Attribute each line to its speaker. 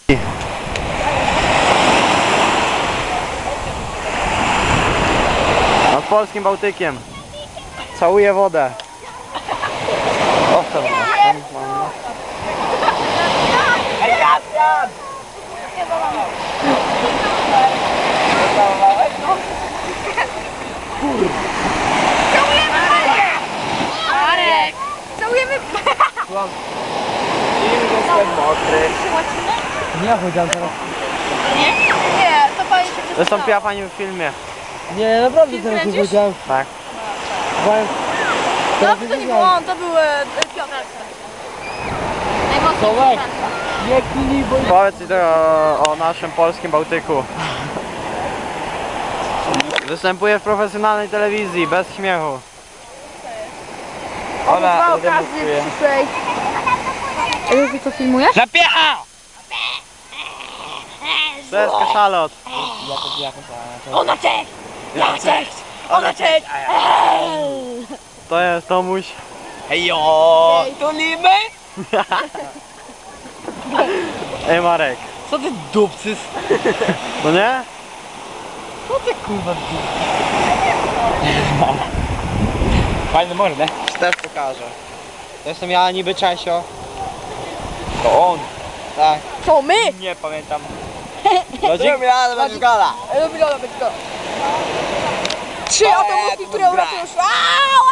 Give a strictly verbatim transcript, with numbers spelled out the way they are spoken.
Speaker 1: Nad polskim Bałtykiem. Całuję wodę. O, tam, tam, tam.
Speaker 2: Marek! Całujemy!
Speaker 1: Jestem mokry.
Speaker 3: Nie powiedziałem teraz.
Speaker 2: Nie? Nie, to pani się
Speaker 1: Wystąpiła pani w filmie.
Speaker 3: Nie, naprawdę teraz nie powiedziałem.
Speaker 1: Tak.
Speaker 3: Powiem,
Speaker 2: No to nie był on, to był e, Piotr.
Speaker 3: Tomek, nie kili, bo...
Speaker 1: Powiedz mi o, o naszym polskim Bałtyku. Występuję w profesjonalnej telewizji, bez śmiechu. Ola,
Speaker 2: okazję przyszłej. Ty co filmujesz?
Speaker 3: Zapiecha!
Speaker 1: To jest kaszalot.
Speaker 2: Ona cześć! Ja cześć! Ona cześć!
Speaker 1: To jest Tomuś.
Speaker 3: Hejo! Tulimy?
Speaker 1: Ej Marek.
Speaker 3: Co ty dupcys?
Speaker 1: No nie?
Speaker 3: Co ty kurwa Fajny mordę.
Speaker 1: Też pokażę. To jestem ja niby Czesio.
Speaker 3: To on.
Speaker 1: Tak.
Speaker 2: To my!
Speaker 3: Nie pamiętam.
Speaker 1: Lodzik? Ja, to będzie gola.
Speaker 2: Lubi Lola, być go. Trzy atomówki, które uratują świat.